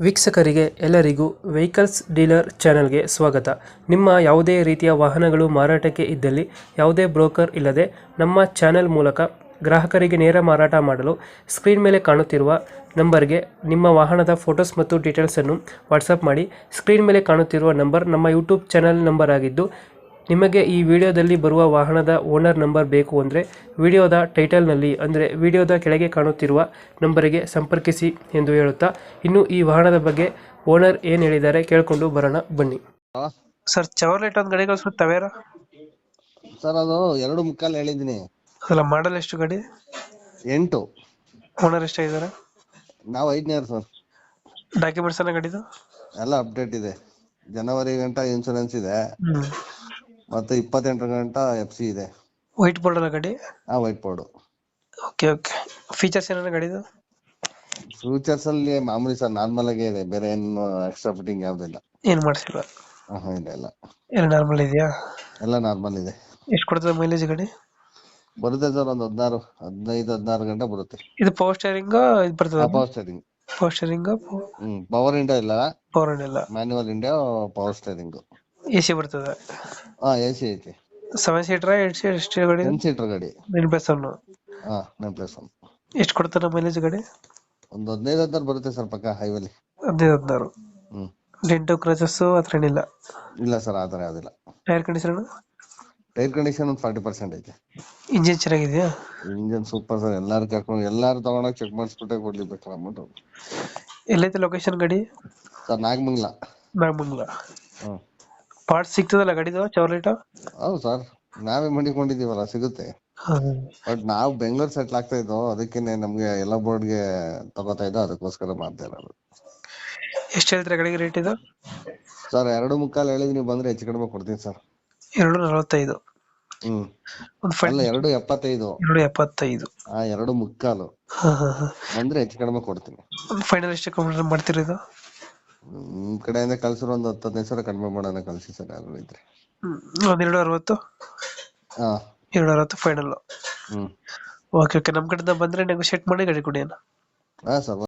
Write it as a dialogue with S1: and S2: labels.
S1: ವೀಕ್ಷಕರಿಗೆ ಎಲ್ಲರಿಗೂ vehicles dealer ಚಾನೆಲ್ಗೆ ಸ್ವಾಗತ. ನಿಮ್ಮ ಯಾವುದೇ ರೀತಿಯ ವಾಹನಗಳು ಮಾರಾಟಕ್ಕೆ ಇದ್ದಲ್ಲಿ ಯಾವುದೇ ಬ್ರೋಕರ್ ಇಲ್ಲದೆ ನಮ್ಮ ಚಾನೆಲ್ ಮೂಲಕ ಗ್ರಾಹಕರಿಗೆ ನೇರ ಮಾರಾಟ ಮಾಡಲು ಸ್ಕ್ರೀನ್ ಮೇಲೆ ಕಾಣುತ್ತಿರುವ ನಂಬರ್ಗೆ ನಿಮ್ಮ ವಾಹನದ ಫೋಟೋಸ್ ಮತ್ತು ಡೀಟೇಲ್ಸನ್ನು ವಾಟ್ಸಪ್ ಮಾಡಿ. ಸ್ಕ್ರೀನ್ ಮೇಲೆ ಕಾಣುತ್ತಿರುವ ನಂಬರ್ ನಮ್ಮ ಯೂಟ್ಯೂಬ್ ಚಾನೆಲ್ ನಂಬರ್ ಆಗಿದ್ದು, ನಿಮಗೆ ಈ ವಿಡಿಯೋದಲ್ಲಿ ಬರುವ ವಾಹನದ ಓನರ್ ನಂಬರ್ ಬೇಕು ಅಂದರೆ ವಿಡಿಯೋದ ಟೈಟಲ್ನಲ್ಲಿ ಅಂದರೆ ವಿಡಿಯೋದ ಕೆಳಗೆ ಕಾಣುತ್ತಿರುವ ನಂಬರಿಗೆ ಸಂಪರ್ಕಿಸಿ ಎಂದು ಹೇಳುತ್ತಾ, ಇನ್ನು ಈ ವಾಹನದ ಬಗ್ಗೆ ಓನರ್ ಏನು ಹೇಳಿದ್ದಾರೆ ಕೇಳಿಕೊಂಡು ಬರೋಣ ಬನ್ನಿ.
S2: ಹಾ,
S1: ಸರ್, ಚವರ್ಲೆಟ್ ಒಂದು ಗಾಡಿ ಕಳಿಸ್ಬಿಟ್ಟು ತವೇರ
S2: ಸರ್ ಅದು 2.75 ಹೇಳಿದೀನಿ.
S1: ಅದಲ್ಲ, ಮಾಡಲ್ ಎಷ್ಟು ಗಾಡಿ?
S2: 8.
S1: ಓನರ್ ಎಷ್ಟಾಗಿದ್ದಾರೆ?
S2: ನಾವು 5ನೇ ಸರ್.
S1: ಡಾಕ್ಯುಮೆಂಟ್ಸ್ ಎಲ್ಲ ಗಾಡಿದು
S2: ಎಲ್ಲ ಅಪ್ಡೇಟ್ ಇದೆ. ಜನವರಿ ಗಂಟ ಇನ್ಶೂರೆನ್ಸ್ ಇದೆ,
S1: ಹ್ಮ್
S2: ಮತ್ತೆ 28 ಗಂಟ FC ಇದೆ.
S1: ವೈಟ್ ಬೋರ್ಡ್ ಅಲ್ಲ ಗಾಡಿ?
S2: White board.
S1: Okay okay. Features ಏನಾರ ಗಾಡಿದು?
S2: ಫ್ಯೂಚರ್ಸ್ ಅಲ್ಲಿ ಮಾಮೂಲಿ ಸರ್, ನಾರ್ಮಲ್ ಆಗೇ ಇದೆ, ಬೇರೆ ಏನು ಎಕ್ಸ್ಟ್ರಾ ಫಿಟ್ಟಿಂಗ್ ಯಾವ್ದಿಲ್ಲ.
S1: ಏನು ಮಾಡಿಸಿಲ್ಲ?
S2: ಇಲ್ಲ
S1: ಎಲ್ಲ ನಾರ್ಮಲ್ ಇದೆಯಾ?
S2: ಎಲ್ಲ ನಾರ್ಮಲ್ ಇದೆ.
S1: ಎಷ್ಟು ಕೊಡ್ತದೆ ಮೈಲೇಜ್ ಗಾಡಿ?
S2: ಬರುತ್ತೆ ಸರ್, ಒಂದು 16 ಗಂಟೆ ಬರುತ್ತೆ.
S1: ಇದು ಪವರ್ ಸ್ಟೇರಿಂಗ್ ಇದು ಬರ್ತದೆ?
S2: Power steering.
S1: Power steering
S2: power ಇಂಡಿಯಾ ಇಲ್ಲ,
S1: ಪವರ್ ಇಲ್ಲ,
S2: ಮ್ಯಾನ್ಯುವಲ್ ಇಂಡಿಯಾ ಪವರ್ ಸ್ಟೇರಿಂಗ್.
S1: AC ಬರ್ತದೆ?
S2: AC ಐತಿ.
S1: 7 ಸೀಟರ್ 8 ಸೀಟರ್ ಎಷ್ಟು ಗಾಡಿ?
S2: 10 ಸೀಟರ್ ಗಾಡಿ.
S1: 9+1.
S2: 9+1.
S1: ಎಷ್ಟು ಕೊಡ್ತಾರೆ ಮೈಲೇಜ್ ಗಾಡಿ?
S2: ಒಂದು 15 ಬರುತ್ತೆ ಸರ್, ಪಕ್ಕ ಹೈವೇಲಿ.
S1: 15-16.
S2: ಹ್ಮ್
S1: ಡೆಂಟು ಕ್ರಚಸ್ ಹತ್ರ ಏನಿಲ್ಲ?
S2: ಇಲ್ಲ ಸರ್, ಆತರ ಯಾವ್ದಿಲ್ಲ.
S1: Tyre condition?
S2: ಟೈರ್ ಕಂಡೀಷನ್ ಒಂದು 40% ಐತೆ.
S1: ಇಂಜಿನ್ ಚೆನ್ನಾಗಿದೆಯಾ?
S2: Engine super sir. ಎಲ್ಲಾರು ತಗೊಂಡೋಗಿ ಚೆಕ್ ಮಾಡಿಸ್ಬಿಟ್ಟೆ ಕೊಡ್ಲಿಬೇಕಲ್ಲ ಅಮೌಂಟ್.
S1: ಎಲ್ಲೈತೆ ಲೊಕೇಶನ್ ಗಾಡಿ?
S2: ಸರ್, ನಾಗಮಂಗ್ಲ.
S1: ನಾಗಮಂಗಲ.
S2: ಹ್ಮ್
S1: ಪಾರ್ಟ್ಸ್ ಸಿಗ್ತದಲ್ಲ ಗಾಡಿದು ಚವರ್ಲೇಟ?
S2: ಹೌದು ಸರ್, ನಾವೇ ಮಾಡಿಕೊಂಡಿದೀವಲ್ಲ, ಸಿಗುತ್ತೆ. ಬಟ್ ನಾವು ಬೆಂಗಳೂರು ಸೆಟ್ಲ್ ಆಗ್ತಾ ಇದ್ದೋ, ಅದಕ್ಕೇನೆ ನಮ್ಗೆ ಎಲ್ಲ ಬೋರ್ಡ್ಗೆ ತಗೋತಾ ಇದ್ದೋ, ಅದಕ್ಕೋಸ್ಕರ ಮಾಡ್ತಾ ಇರೋದು.
S1: ಎಷ್ಟು ಹೇಳ್ತೀರಾ ಗಾಡಿಗೆ ರೇಟ್ ಇದು?
S2: ಸರ್, 2.25 ಹೇಳಿದ್, ನೀವು ಬಂದ್ರೆ ಹೆಚ್ಚು ಕಡಿಮೆ ಕೊಡ್ತೀನಿ ಸರ್.
S1: 245.
S2: ಹ್ಮ್
S1: ಒಂದು
S2: ಅಲ್ಲ, 2.75.
S1: 275.
S2: 2.25 ಬಂದ್ರೆ ಹೆಚ್ಚು ಕಡಿಮೆ ಕೊಡ್ತೀನಿ.
S1: ಒಂದು ಫೈನಲ್ ಎಷ್ಟು ಕಮ್ಮಿ ಮಾಡ್ತೀರಿ ಇದು?
S2: ನಿಮ್ ಕಡೆಯಿಂದ ಕಳ್ಸಿರೋ ಒಂದು 10-15 ಸಾವಿರ ಕಡಿಮೆ ಮಾಡೋಣ, ಕಳ್ಸಿ ಸರ್, ಯಾರು ಇದ್ರೆ.
S1: ಒಂದು 260.
S2: ಹಾ,
S1: 260 ಫೈನಲ್.
S2: ಹ್ಮ್
S1: ಓಕೆ ಓಕೆ. ನಮ್ಮ ಕಡೆಯಿಂದ ಬಂದ್ರೆ ನೆಗೋಶಿಯೇಟ್ ಮಾಡಿ ಗಾಡಿ ಕೊಡಿ ಅಣ್ಣ.
S2: ಹಾ ಸರ್.